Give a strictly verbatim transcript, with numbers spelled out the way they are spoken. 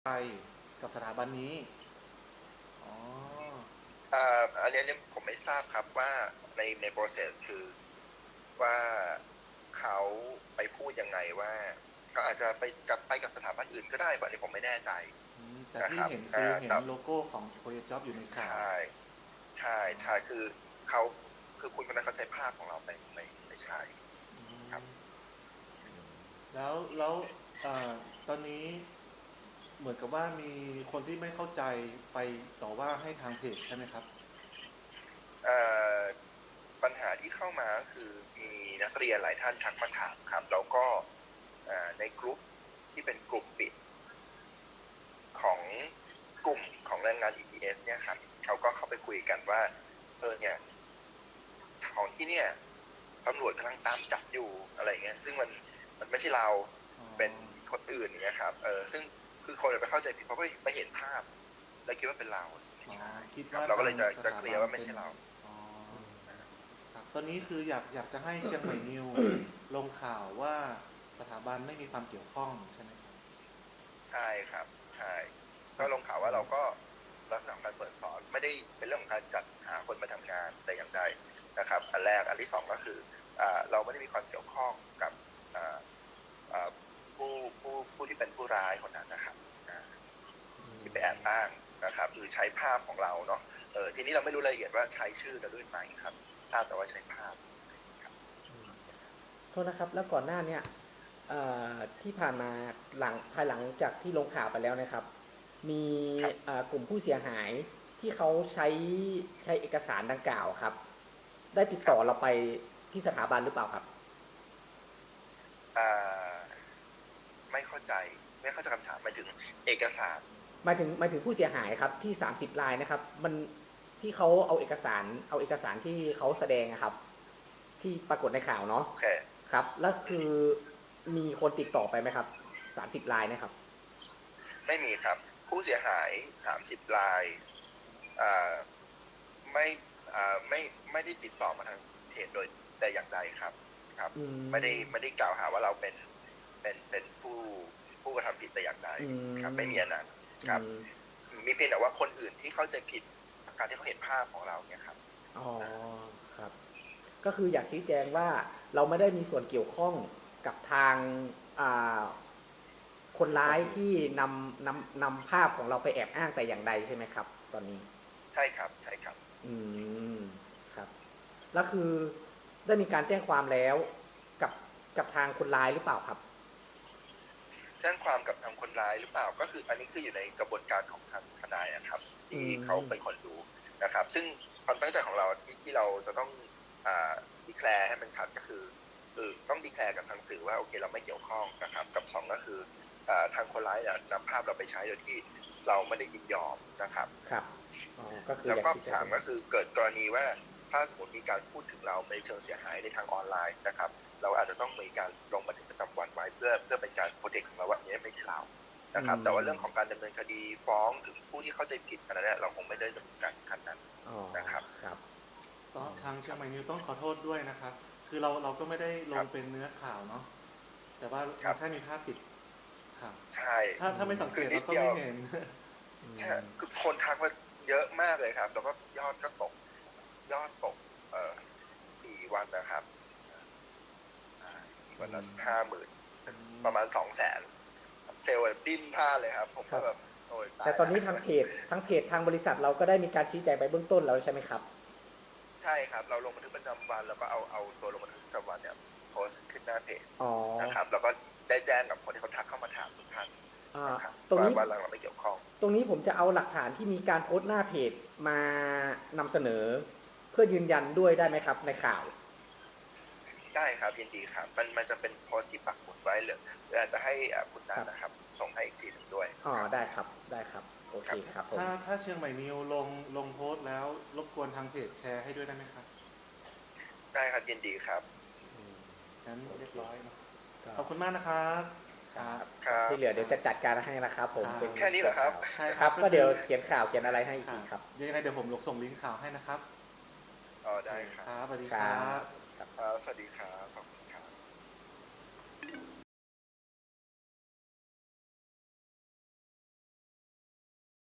ไปกับสถาบันนี้อ๋ออ่าอันนี้เนี่ยผมไม่ทราบครับว่าในใน process คือว่าเขาไปพูดยังไงว่าเขาอาจจะไปกับไปกับสถาบันอื่นก็ได้อันนี้ผมไม่แน่ใจอืมแต่นะครับที่เห็นคืออ่าแต่เห็นโลโก้ของโคเ จ็อบอยู่ในข่าวใช่ใช่อ๋อใช่คือเขาคือคุณคนนั้นเขาใช้ภาพของเราไม่ไม่ไม่ใช่อืครับมแล้วแล้วเอ่อตอนนี้เหมือนกับว่ามีคนที่ไม่เข้าใจไปต่อว่าให้ทางเพจใช่ไหมครับเอ่อปัญหาที่เข้ามาก็คือมีนักเรียนหลายท่านทักมาถามครับแล้วก็อ่าในกลุ่มที่เป็นกลุ่มปิด ของกลุ่มของแรงงาน อี ที เอส เนี่ยครับเขาก็เข้าไปคุยกันว่าเออเนี่ยของที่เนี่ยตำรวจกำลังตามจับอยู่อะไรเงี้ยซึ่งมันมันไม่ใช่เราอ๋อเป็นคนอื่นอย่างเงี้ยครับเออซึ่งคือคนไปเข้าใจผิดเพราะว่าไปเห็นภาพแล้วคิดว่าเป็นเราไม่อ๋อใช่คิดครับเราก็ว่าทางเลยจะจะสถาเคลียร์ว่าไม่บันเป็นใช่เราอ๋อครับตอนนี้คืออยากอยากจะให้เชียงใหม่นิวลงข่าวว่าสถาบันไม่มีความเกี่ยวข้องใช่ไหมครับใช่ครับใช่ก็ครับลงข่าวว่าเราก็ลักษณะการเปิดสอนไม่ได้เป็นเรื่องของการจัดหาคนมาทำงานแต่อย่างใดนะครับอันแรกอันที่สองก็คืออ่าเราไม่ได้มีความเกี่ยวข้องกับอ่าอ่าผู้ผู้ผู้ที่เป็นผู้ร้ายคนนั้นนะครับอ่าที่ไปแอบอ้างนะครับคือใช้ภาพของเราเนาะเออทีนี้เราไม่รู้รายละเอียดว่าใช้ชื่อเราด้วยไหมครับทราบแต่ว่าใช้ภาพครับโทษนะครับแล้วก่อนหน้าเนี่ยที่ผ่านมาหลังภายหลังจากที่ลงข่าวไปแล้วนะครับมีครับกลุ่มผู้เสียหายที่เขาใช้ใช้เอกสารดังกล่าวครับได้ติดครับต่อเราไปที่สถาบันหรือเปล่าครับอ่าไม่เข้าใจไม่เข้าใจคำถามหมายถึงเอกสารหมายถึงหมายถึงผู้เสียหายครับที่สามสิบรายนะครับมันที่เขาเอาเอกสารเอาเอกสารที่เขาแสดงนะครับที่ปรากฏในข่าวเนาะโอเคครับแล้วคือมีคนติดต่อไปไหมครับสามสิบรายนะครับไม่มีครับผู้เสียหายสามสิบรายอ่าไม่อ่าไม่ไม่ได้ติดต่อมาทางเพจโดยแต่อย่างใดครับครับอืไม่ได้มไม่ได้กล่าวหาว่าเราเป็นเป็นเป็นผู้ผู้กระทำผิดแต่อย่างใดอืครับมไม่มีอันนั้นอืครับมมีเพียงแต่ว่าคนอื่นที่เข้าใจผิดการที่เขาเห็นภาพของเราเนี่ยครับอ๋อครับก็คืออยากชี้แจงว่าเราไม่ได้มีส่วนเกี่ยวข้องกับทางอ่าคนร้ายที่นำนำนำภาพของเราไปแอบอ้างแต่อย่างใดใช่ไหมครับตอนนี้ใช่ครับใช่ครับอืมครับแล้วคือได้มีการแจ้งความแล้วกับกับทางคนร้ายหรือเปล่าครับแจ้งความกับทางคนร้ายหรือเปล่าก็คืออันนี้คืออยู่ในกระบวนการของทางทนายนะครับอืที่เขามเป็นคนดูนะครับซึ่งความตั้งใจของเราที่ที่เราจะต้องอ่าดีแคลร์ให้มันชัดก็คือเออต้องดีแคลร์กับทางสื่อว่าโอเคเราไม่เกี่ยวข้องนะครับกับสองก็คืออ่าทางคนร้ายเนี่ยนำภาพเราไปใช้โดยที่เราไม่ได้ยินยอมนะครับครับอ๋อก็คือแล้วก็อยากชี้แจงสามก็คือเกิดกรณีว่าถ้าสมมติมีการพูดถึงเราในเชิงเสียหายในทางออนไลน์นะครับเราอาจจะต้องมีการลงบันทึกประจำวันไว้เพื่อเพื่อเป็นการโปรเทคของเราว่าอันนี้ไม่ใช่เราอืนะครับแต่ว่าเรื่องของมการดำเนินคดีฟ้องถึงผู้ที่เข้าใจผิดอันนั้นเนี่ยเราคงไม่ได้ดำเนินการขั้นนั้นอ๋อนะครับครับต้ออ๋องทางคเชียรับงใหม่นิวต้องขอโทษด้วยนะครับคือเราเราก็ไม่ได้ลครับงเป็นเนื้อข่าวเนาะแต่ว่าครับแค่มีภาพปิดข่าวใช่ถ้าถ้าไม่สังเกคือตเราก็นิดเดียวไม่เห็นอืใช่มคือคนทักมาเยอะมากเลยครับแล้วก็ยอดก็ตกยอดตกเอ่อสี่วันนะครับใช่วันละห้าหมื่นประมาณสองแสนเซลล์ดิ้นพลาดเลยครับผมครับก็แบบโอ้ยตาแต่ตอนยละนี้ทางเพจทั้งเพจทางบริษัทเราก็ได้มีการชี้แจงไปเบื้องต้นแล้วใช่ไหมครับใช่ครับเราลงบันทึกประจำวันแล้วก็เอาเอาตัวลงบันทึกประจำวันเนี่ยโพสต์ขึ้นหน้าเพจอ๋อนะครับแล้วก็ได้แจ้งกับคนที่เขาทักเข้ามาถามทุกท่านอ่านะครับตรงนี้ว่าว่าเราไม่เกี่ยวข้องตรงนี้ผมจะเอาหลักฐานที่มีการโพสต์หน้าเพจมานำเสนอเพื่อยืนยันด้วยได้ไหมครับในข่าวได้ครับยินดีครับมันมันจะเป็นโพสต์ที่ปักหมุดไว้หรือหรืออาจจะให้อ่าคุณนัครับนนะครับส่งให้อีกทีหนึ่งด้วยอ๋อครับได้ครับได้ครับโอเคครับครับผมถ้าถ้าเชียงใหม่นิวลงลงโพสต์แล้วรบกวนทางเพจแชร์ให้ด้วยได้ไหมครับได้ครับยินดีครับอืมงั้นโอเคเรียบร้อยเนอะก็ขอบคุณมากนะครับคครับรับครับที่เหลือเดี๋ยวจะจัดการให้นะครับผมครับเป็นแค่นี้เหรอครับข่าวใช่ครับก็ก็เดี๋ยวคือเขียนข่าวเขียนอะไรให้ครับอีกครับยังไงเดี๋ยวผมลงส่งลิงก์ข่าวให้นะครับอ๋อโอเคได้ครับครับสวัสดีครัครับบครับครับสวัสดีครับ